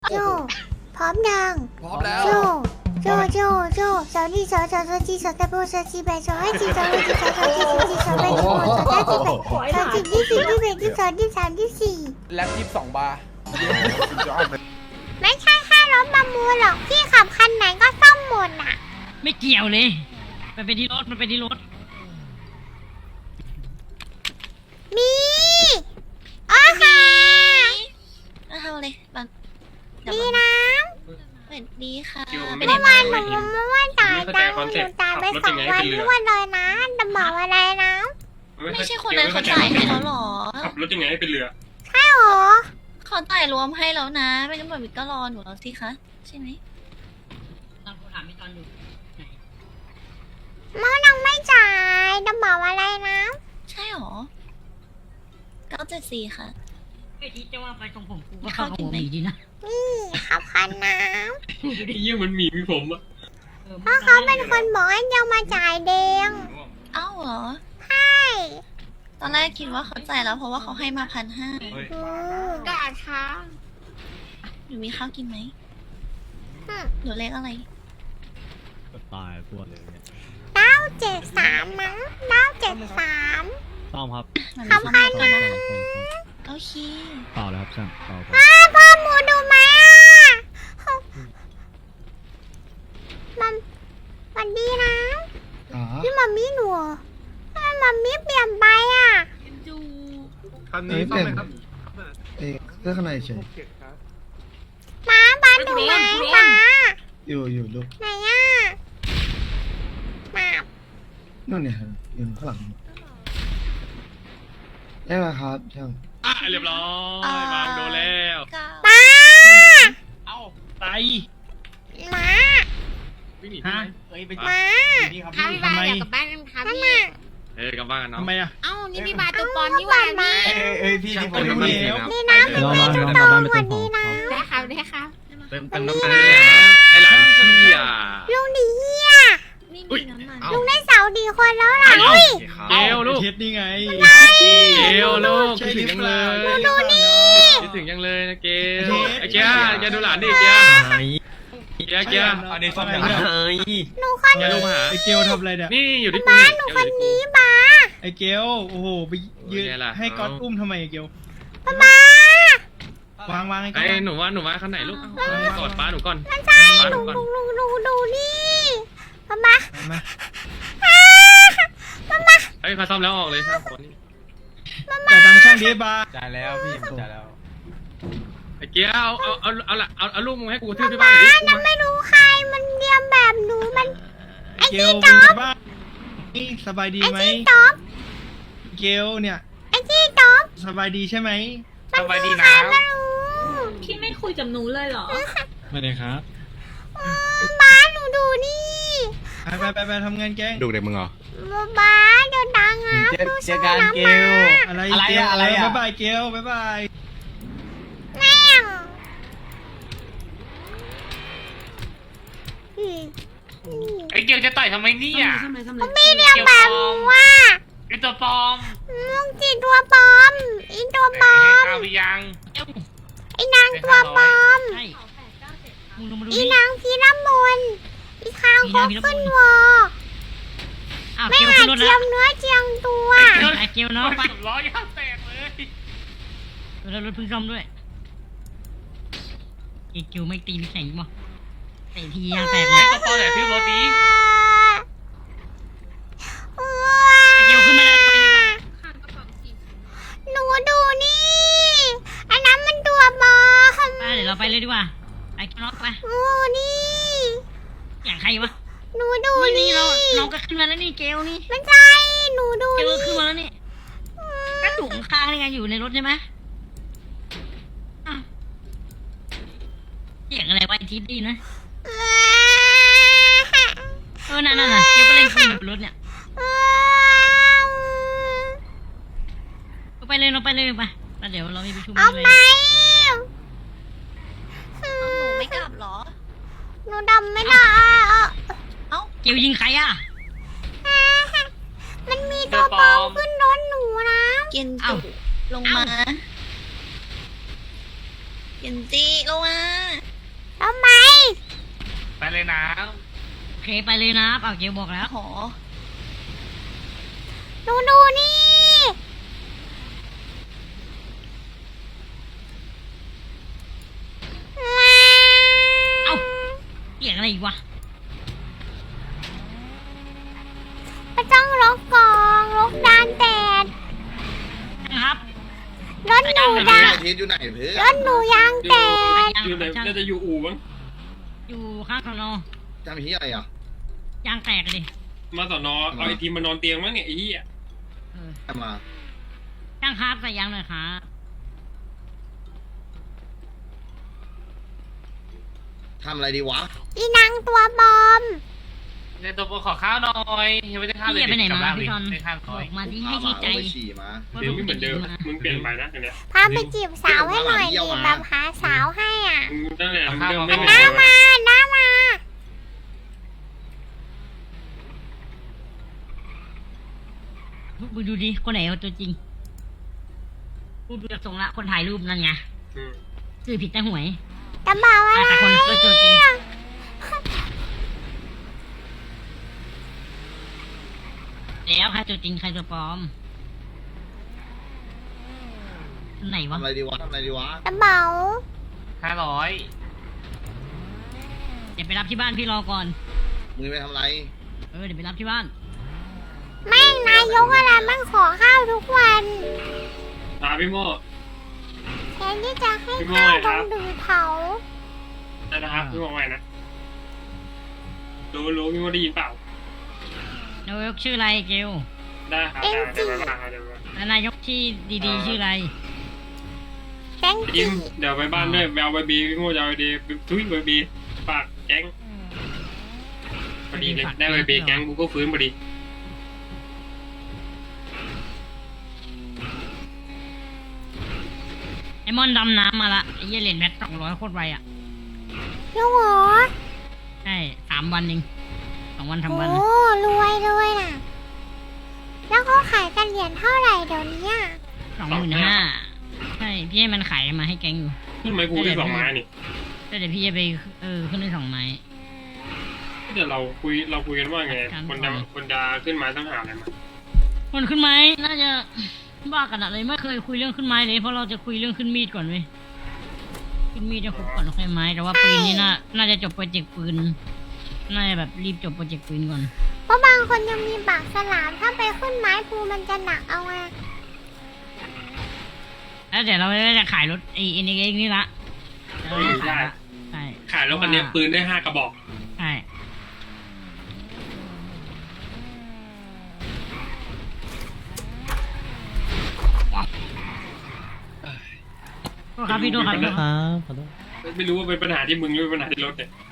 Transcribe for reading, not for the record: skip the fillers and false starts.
โจพร้อมยังพร้อมแล้วโจสาวนี่สาวจีสาวตะโบสาวจีแบสาวไอจีสาวไอจีสาวจีสาวจีสาวแบสาวสาวจีแบสาวจีที่สี่ที่แบที่สองที่สามที่สี่แล็บ22 บาร์ไม่ใช่แค่รถประมูลหรอกพี่ขับคันไหนก็ซ่อมหมดอ่ะไม่เกี่ยวเลยมันเป็นที่รถมีโอเคเอาเลยบังดีนะสวัสดีค่ะเมื่อวานหนูว่าจ่ายตังค์หนูจ่ายไป2 วันรวดเลยนะจะบอกอะไรนะไม่ใช่คนนั้นเขาจ่ายให้แล้วหรอขับรถยังไงให้เป็นเรือใช่หรอเขาจ่ายรวมให้แล้วนะ ไม่งั้นแบบก็รอหนูแล้วสิคะใช่ไหมตอนกูถามไม่ตอนอยู่ไหนเมื่อนังไม่จ่ายจะบอกอะไรนะใช่หรอ974ค่ะไอ้ที่จะว่าไปตรงผมกูก็เข้ากับผมดีนะนี่ขับคันน้ไอ้เยี่ยมันมีผมอะำเพราะเขาเป็นคนบอกให้เดียวมาจ่ายเดงเอ้าเหรอใช่ตอนแรกคิดว่าเขาจ่ายแล้วเพราะว่าเขาให้มา1,500 ด่าช้าหนูมีข้าวกินไหมหนูเลขอะไรตายตัวเลยเนี่ย 973มั้ง973 ต้อมครับขับคันนะโอเคเปล่าแล้วครับช่างเปล่าครับพ่อหมูดูไหมมัมสวัสดีนะนี่มัมมี่หนูทำไมมัมมี่เปลี่ยนไปอ่ะคันนี้ต้องไหมครับเสื้อข้างในเฉยม้าบ้านหนูไหมม้าอยู่ลูกไหนอ่ะมานู่นเนี่ยครับอยู่ข้างหลังได้ไหมครับช่างเรียบร้อยบางโดนแล้วป้าเอ้าไตม้าวิ่งหนีใช่ไหมเอ้ยไปม้านี่ครับทำไมนั่นน่ะกลับบ้านกันเนาะทำไมอ่ะนี่พี่บาตัวปอนนี่หว่ามาเอ้ยพี่ที่ผมรู้รู้แล้วนี่นะมันไม่ถูกต้องสวัสดีนะเติมน้ำมันไอ้หลานพี่อ่ะลุงดีเฮียไม่มีน้ำมันลุงได้เสาดีคนแล้วล่ะเฮ้ยเกลลูกเท็ดนี่ไงเกลลูกคิดถึงยังเลยดูนี่คิดถึงยังเลยนะเกลไอ้เกียร์แกดูหลานดิเกียร์เกียร์อันนี้ซ่อมยังไงหนูคนเกียร์ลูกมาหาไอเกลทำอะไรเนี่ยนี่อยู่ที่กูบ้านี่หนูเกียควน อยู่ที่กูนี้บ้าไอเกลโอ้โหไปยืนเป็นไงล่ะให้ก๊อตอุ้มทำไมไอเกลบ้าวางไอก๊อไอ้ตหนูว่าคันไหนลูกกอดป้าหนูก่อนไม่ใช่ป้าหหนูนูก่อนดูนี่บ้ามาเฮ้ยเขาซ่อมแล้วออกเลยครับคนนี้จ่ายตังค์ช่างดีบาร์จ่ายแล้วพี่ผมจ่ายแล้วไอ้เกียร์เอาลูกมึงให้กูกระทืบที่บ้านหน่อยดิจะไม่รู้ใครมันเรียมแบบหนูมันไอเกลเป็นไงบ้างนี่สบายดีไอ้ไหมที่จ๊อบเกลเนี่ยไอ้ที่จ๊อบสบายดีใช่ไหมสบายดีใครนะไม่รู้พี่ไม่คุยกับหนูเลยเหรอไม่ได้ครับบ้าหนูดูนี่ไปทำงานแกงดูเด็กมึงเหรอบ้าเดินดังอ่ะเจอกันเกลอะไรอะไรเกลอะอะไรอะบ๊ายบายเกลบ๊ายบายแม่งไอ้เกียร์จะต่อยทำไมเนี่ยไม่เรียกแบบหนูว่าไอ้ตัวปลอมมึงจีตัวปลอมอีตัวปลอมข้าวพี่ยังไอ้นางตัวปลอมใช่มึงลงมาดูอีนี่นางพีระมนอีคางคกขึ้นวออ้าวไม่เกลหาขึ้นรถเจีแล้ยว มเนื้อเจียมตัวไอเกลเนาะไปล้อยางแตกเลยแล้วรถเพิ่งซ่อมด้วยไอเกลไม่ตีไม่แข็งมั้งไอทียางแตกเลยตัวปลอมไหนพี่โรตีไอเกลขึ้นมาแล้วไปดีกว่าหนูดูนี่อันนั้นมันตัวปลอมไปเดี๋ยวเราไปเลยดีกว่าไอเกลเนาะไปหนูนี่อย่างใครวะหนูดูนี่นี่เราก็ขึ้นมาแล้วนี่เกลนี่ไม่ใช่หนูดูเกลนี่ขึ้นมาแล้วนี่ก็ถูกข้างนี่ไงอยู่ในรถใช่ไหมอ้าวเสียงอะไรวะไอทีดีนะนั่นเกลก็เล่นคุยอยู่บนรถเนี่ยเราไปเลยไปแล้วเดี๋ยวเรามีประชุมเอาเลยไปหนูไม่กลับเหรอหนูดำไม่ได้เอ้าเกลยิงใครอ่ะมันมีตัวปลอมขึ้นรถหนูนะเกนจิลงมาเกนจิลงมาเลยนะโอเคไปเลยนะเอาเกลบอกแล้วโหดูนี่เอ้าเสียงอะไรอีกวะไม่ต้องลกกองลกดานแดดนะครับรถหนูยางทิศอยู่ไหนเพื่อรถหนูยางแตกอยู่ไหนน่าจะอยู่อู่มั้งอยู่ข้างสนอจำที่อะไรอ่ะยางแตกเลยมาสอนอเอาไอทีมมานอนเตียงมั้งเนี่ยไอ้เหี้ยเออจำมาช่างครับใส่ยางหน่อยครับทำอะไรดีวะอีนางตัวบอมในตัวขอข้าวหน่อยยังไม่ได้ข้าวเลยพี่ไปไหนมาพี่จอนไม่ข้าวบน้อยอกมาที่ให้ชี้ใจไปฉี่มาว่าเดี๋ยวลูกไม่เหมือนเดิมมามึงเปลี่ยนไปนะอันเนี้ยพาไปจีบสาวให้หน่อยดิแบบหาสาวให้อ่ะมึงนั่นแหละมึงเดิมไม่เหมือนน้าเดิมมาน้ามามึงดูดิคนไหนเอาตัวจริงกูดูจากทรงละคนถ่ายรูปนั่นไงอืมซื้อผิดแต่หวยจะบอกอะไรแต่คนตัวจริงแล้วใครตัวจริงใครตัวปลอมไหนวะทำอะไรดีวะทำอะไรดีวะจะเบา 500 เดี๋ยวไปรับที่บ้านพี่รอก่อนมึงไปทำอะไรเดี๋ยวไปรับที่บ้านแม่งนายกอะไรมั่งขอข้าวทุกวันพี่โม่แทนที่จะให้ข้าวต้องดือเผาได้นะครับพี่โม่ใหม่นะรู้พี่โม่ได้ยินเปล่านายกชื่ออะไรเกลได้ครับได้เดี๋ยวมาเดี๋ยวมาแล้วนายกที่ดีๆชื่ออะไรแจ้งยิ้มเดี๋ยวไปบ้านด้วยไปเอาใบบีพี่โม่จะเอาใบบีทุยใบบีฝากแก๊งพอดีเลยได้ใบบีแก๊งกูก็ฟื้นพอดีไอมอนดำน้ำมาละไอเหี้ยเหรียญแมท200โคตรไวอ่ะลูกเหรอใช่3 วันเอง2 วันทำวันโอ้รวยเลยน่ะ แล้วเขาขายกันเหรียญเท่าไหร่เดี๋ยวนี้อ่ะ 25,000ใช่พี่ให้มันขายมาให้แกงอยู่ขึ้นไม้กูได้2 ไม้นี่แต่เดี๋ยวพี่จะไปขึ้นได้2 ไม้เดี๋ยวเราคุยกันว่าไงคนจะขึ้นไม้ต้องหาอะไรมาคนขึ้นไม้น่าจะบ้ากันอะไรไม่เคยคุยเรื่องขึ้นไม้เลยเพราะเราจะคุยเรื่องขึ้นมีดก่อนเว้ยขึ้นมีดจะครบก่อนแล้วค่อยไม้แต่ว่าปืนนี่น่าจะจบโปรเจกต์ปืนน่าจะแบบรีบจบโปรเจกต์ปืนก่อนเพราะบางคนยังมีปากฉลามถ้าไปขึ้นไม้ภูมันจะหนักเอาไงแล้วเดี๋ยวเราจะขายรถไอ้เอ็นเอ็กนี่ละเราจะขายละใช่ขายรถคันนี้ปืนได้5 กระบอกใช่โทษครับพี่โทษครับไม่รู้ว่าเป็นปัญหาที่มึงหรือเป็นปัญหาที่รถเนี่ย